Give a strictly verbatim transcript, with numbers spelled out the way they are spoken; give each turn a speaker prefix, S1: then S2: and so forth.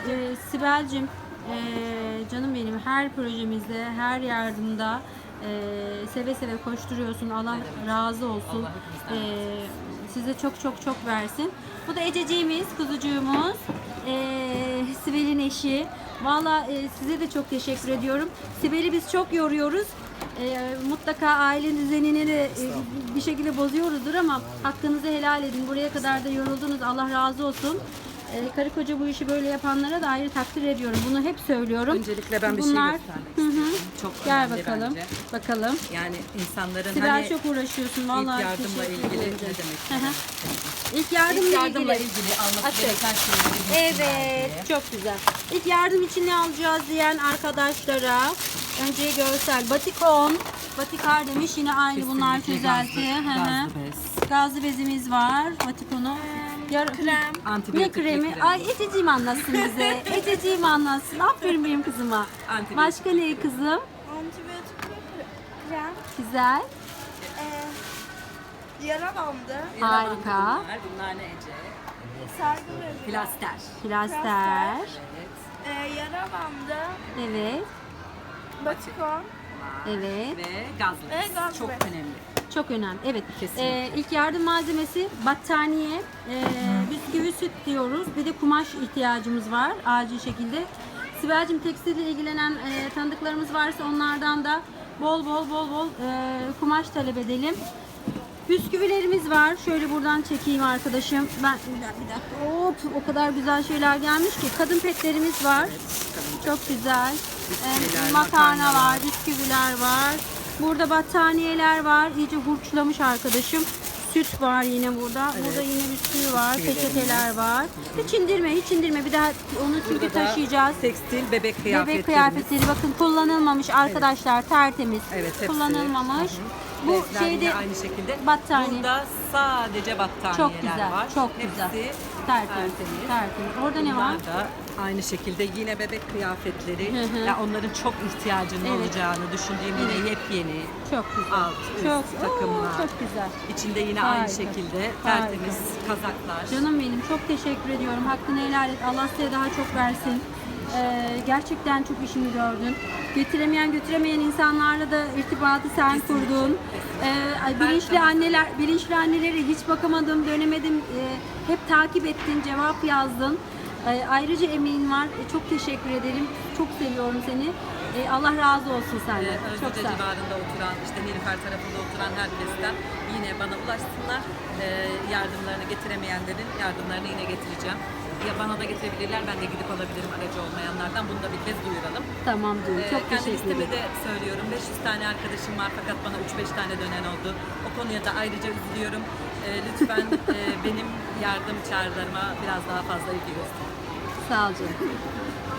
S1: e, Sibel'cim, e, canım benim, her projemizde, her yardımda e, seve seve koşturuyorsun. Allah razı olsun.
S2: Allah hepimizden
S1: E, size çok çok çok versin. Bu da Ececiğimiz, kuzucuğumuz. E, Sibel'in eşi. Valla e, size de çok teşekkür ediyorum. Sibel'i biz çok yoruyoruz. E, mutlaka aile düzenini de e, bir şekilde bozuyoruzdur ama hakkınızı helal edin. Buraya kadar da yoruldunuz. Allah razı olsun. E, karı koca bu işi böyle yapanlara da ayrı takdir ediyorum. Bunu hep söylüyorum.
S2: Öncelikle ben bir
S1: Bunlar-
S2: şey göstermek
S1: Hı hı.
S2: istiyorum. Çok
S1: Gel
S2: önemli
S1: bakalım.
S2: bence.
S1: Bakalım.
S2: Yani insanların
S1: Sibel
S2: hani
S1: çok uğraşıyorsun. Vallahi
S2: ilk yardımla
S1: teşekkür
S2: ilgili
S1: ederim.
S2: ne demek?
S1: Hı hı. İlk yardımla,
S2: İlk yardımla
S1: ilgili.
S2: ilgili alması
S1: Açık.
S2: gereken şeyleri bilsinler
S1: Evet,
S2: diye.
S1: çok güzel. İlk yardım için ne alacağız diyen arkadaşlara önce görsel batikon, batikar demiş, yine aynı bunlar
S2: Kesinlikle
S1: çözelti.
S2: gazlı-
S1: Hı hı.
S2: gazlı bez.
S1: Gazlı bezimiz var, batikonu. Yar-
S3: krem.
S1: Ne
S2: Antibiyotikli
S1: kremi?
S2: krem.
S1: Ay Ececiğim anlatsın bize. Ececiğim anlatsın. Aferin benim kızıma.
S2: Antibiyotikli
S1: Başka ne kızım?
S3: Antibiyotikli kre- krem.
S1: Güzel.
S3: Ee, yara bandı.
S1: Harika.
S2: Bunlar, bunlar ne Ece?
S3: Sargı bezi.
S2: Plaster.
S1: Plaster.
S2: Evet.
S3: Ee, yara bandı.
S1: Evet.
S3: Batikon.
S1: Evet.
S2: Ve gazlı.
S3: Ve gazlı
S2: Çok
S3: bez.
S2: önemli.
S1: Çok önemli. Evet.
S2: Kesinlikle.
S1: Ee, ilk yardım malzemesi battaniye, e, bisküvi, süt diyoruz. Bir de kumaş ihtiyacımız var acil şekilde. Sibel'cim, tekstille ilgilenen e, tanıdıklarımız varsa onlardan da bol bol bol bol e, kumaş talep edelim. Bisküvilerimiz var. Şöyle buradan çekeyim arkadaşım. Ben bir dakika, bir dakika. Hop, o kadar güzel şeyler gelmiş ki. Kadın petlerimiz var. Çok güzel.
S2: Bisküviler,
S1: Ee, makarna var,
S2: makarnalar.
S1: bisküviler var. Burada battaniyeler var. İyice hurçlamış arkadaşım. Süt var yine burada. Burada yine bisküvi var,
S2: Bisküvilerimiz.
S1: peçeteler var. Hiç indirme, hiç indirme. Bir daha onu çünkü
S2: Burada da
S1: taşıyacağız.
S2: tekstil bebek kıyafetlerimiz.
S1: Bebek kıyafetleri bakın, kullanılmamış arkadaşlar, tertemiz.
S2: Evet, hepsi.
S1: Kullanılmamış.
S2: Hı hı.
S1: Bu
S2: Bezler
S1: şeyde
S2: yine aynı şekilde.
S1: battaniye.
S2: Burada sadece battaniyeler
S1: Çok güzel,
S2: var.
S1: çok
S2: Hepsi
S1: güzel. Tertemiz,
S2: tertemiz.
S1: tertemiz. Orada ne var?
S2: Bunlar da aynı şekilde yine bebek kıyafetleri.
S1: Hı hı.
S2: Ya onların çok ihtiyacının
S1: Evet.
S2: olacağını düşündüğüm yine
S1: Evet.
S2: yepyeni.
S1: Çok güzel.
S2: Alt, üst
S1: çok,
S2: takımlar.
S1: Oo, çok güzel.
S2: İçinde yine
S1: Harika.
S2: aynı şekilde
S1: Harika.
S2: tertemiz kazaklar.
S1: Canım benim, çok teşekkür ediyorum. Hakkını helal et. Allah size daha çok versin. Ee, gerçekten çok işini gördün. Getiremeyen götüremeyen insanlarla da irtibatı sen kurdun. Ee, ay, bilinçli anneler, bilinçli annelere hiç bakamadım, dönemedim. Ee, hep takip ettin, cevap yazdın. Ee, ayrıca emeğin var. Ee, çok teşekkür ederim. Çok seviyorum seni. Ee, Allah razı olsun
S2: Ee,
S1: senden. Çok
S2: Özlüce
S1: sağ ol.
S2: civarında oturan, işte Nilüfer tarafında oturan herkesten yine bana ulaşsınlar. Ee, yardımlarını getiremeyenlerin yardımlarını yine getireceğim. Ya bana da getirebilirler, ben de gidip alabilirim aracı olmayanlardan. Bunu da bir kez duyuralım.
S1: Tamam diyorum.
S2: Ee,
S1: Çok
S2: kendi
S1: teşekkür
S2: listemi
S1: ederim.
S2: de söylüyorum. beş yüz tane arkadaşım var fakat bana üç beş tane dönen oldu. O konuya da ayrıca üzülüyorum. Ee, lütfen e, benim yardım çağrılarıma biraz daha fazla ilgi gösterin.
S1: Sağ ol canım.